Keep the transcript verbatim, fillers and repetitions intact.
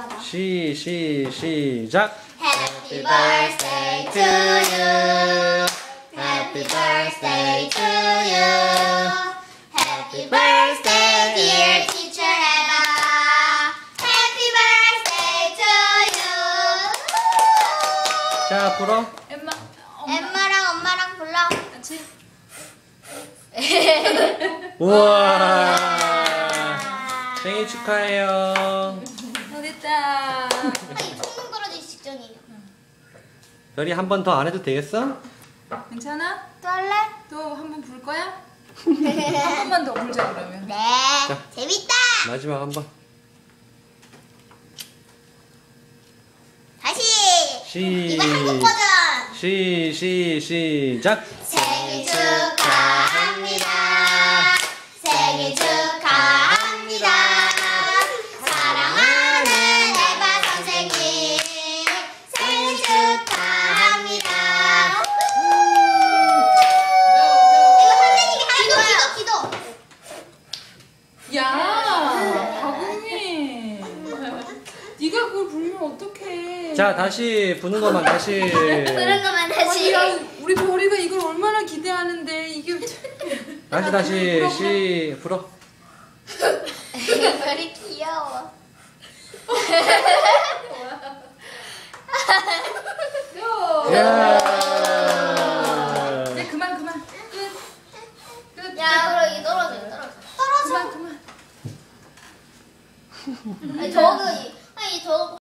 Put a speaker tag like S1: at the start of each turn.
S1: 시, 시, 시작.
S2: Happy birthday to you. Happy birthday to you. Happy birthday dear teacher Emma. Happy birthday to you.
S1: 자, 불어.
S3: 엠마.
S2: 엠마랑 엄마랑 불러.
S3: 같이.
S1: 우와. 생일 축하해요.
S3: 어딨다.
S2: 총 부러지기 직전이에요.
S1: 별이 한 번 더 안 해도 되겠어?
S3: 괜찮아?
S2: 또 할래?
S3: 또 한 번 불 거야? 한 번만 더 불자 그러면.
S2: 네.
S1: 자.
S2: 재밌다.
S1: 마지막 한 번.
S2: 다시.
S1: 시,
S2: 이거 한국 버전.
S1: 시, 시, 시작.
S2: 생일 축하합니다. 생일 축하합니다. 사랑하는 에바 선생님. 생일 축하합니다. 이거 선생님이 하는 거야. 기도, 기도.
S3: 야, 박은미. 네가 그걸 불면 어떡해.
S1: 자, 다시 부는 것만 다시.
S2: 그런 것만
S3: 아니,
S2: 다시.
S3: 야, 우리 별이가 이걸 얼마나 기대하는데 이게.
S1: 다시 다시 시 불어.
S2: 별이 귀여워.
S1: 야.
S3: 이제 그만 그만. 끝. 끝.
S2: 야, 그럼 이 떨어져, 떨어져. 떨어져.
S3: 그만 그만.
S2: 아니, 저